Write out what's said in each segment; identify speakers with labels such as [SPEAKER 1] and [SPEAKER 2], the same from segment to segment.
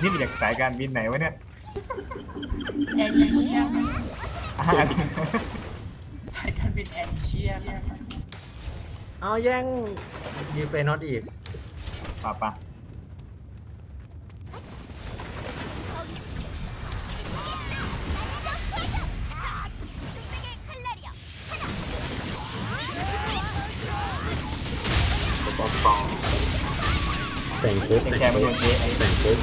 [SPEAKER 1] นี่มาจากสายการบินไหนวะเนี่ย
[SPEAKER 2] แอร์เอเชีย
[SPEAKER 1] อ่า
[SPEAKER 2] สายการบินแอร์เอเชีย
[SPEAKER 3] เอาแย่งยีเฟนอตอีก
[SPEAKER 1] ป่ะ
[SPEAKER 4] แต่งปุ๊บ
[SPEAKER 1] แกมาโดนเจ๊
[SPEAKER 4] แต่งปุ๊บ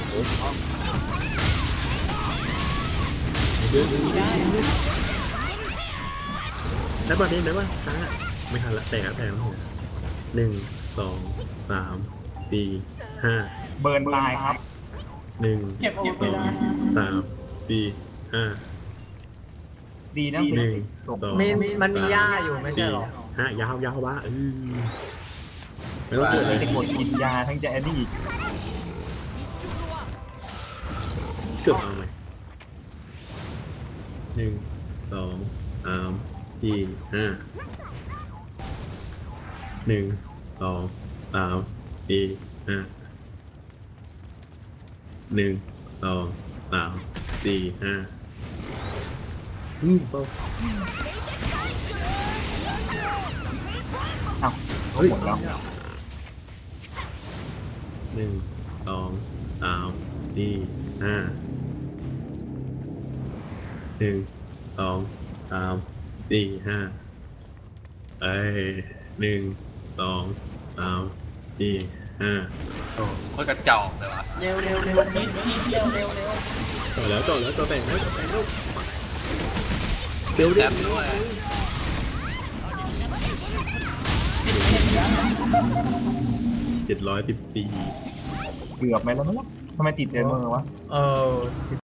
[SPEAKER 4] ได้ป่ะได้ป่ะช้าไม่ทันละแต่งแล้ว1 2 3 4 5
[SPEAKER 1] เบิร์นตายครับ
[SPEAKER 4] 1
[SPEAKER 2] เก็บโอเวลา
[SPEAKER 4] 2 3 4 5
[SPEAKER 1] ดีนะ
[SPEAKER 4] 1
[SPEAKER 1] ตก
[SPEAKER 3] มันมีหญ้าอยู่ไม่ใช่หรอ
[SPEAKER 4] 5ยาวบ้าไม่ต้อง
[SPEAKER 1] เกิ
[SPEAKER 4] เกิ
[SPEAKER 1] ด
[SPEAKER 4] ด
[SPEAKER 1] อะ
[SPEAKER 4] อะไร ไร
[SPEAKER 1] จะกดกินยาทั้งจะแอนนี่อีก
[SPEAKER 4] เกือบเอาไหม1 2 3 4 5 1 2 3 4 5 1 2 3 4 5เป้า
[SPEAKER 1] อ้าวหมดแล้ว
[SPEAKER 4] 1 2 3 4 5 1 2 3 4 51 2 3 4 5
[SPEAKER 5] โคตรกระจอกเลยวะ
[SPEAKER 2] เร็วนิดเร็ว
[SPEAKER 4] ต่อแล้วต่อแต่งแล้ว
[SPEAKER 5] แต้มด้วย
[SPEAKER 4] 714
[SPEAKER 1] เกือบไหมแล้วมั้งทำไมติดเจอมือวะ
[SPEAKER 3] เออ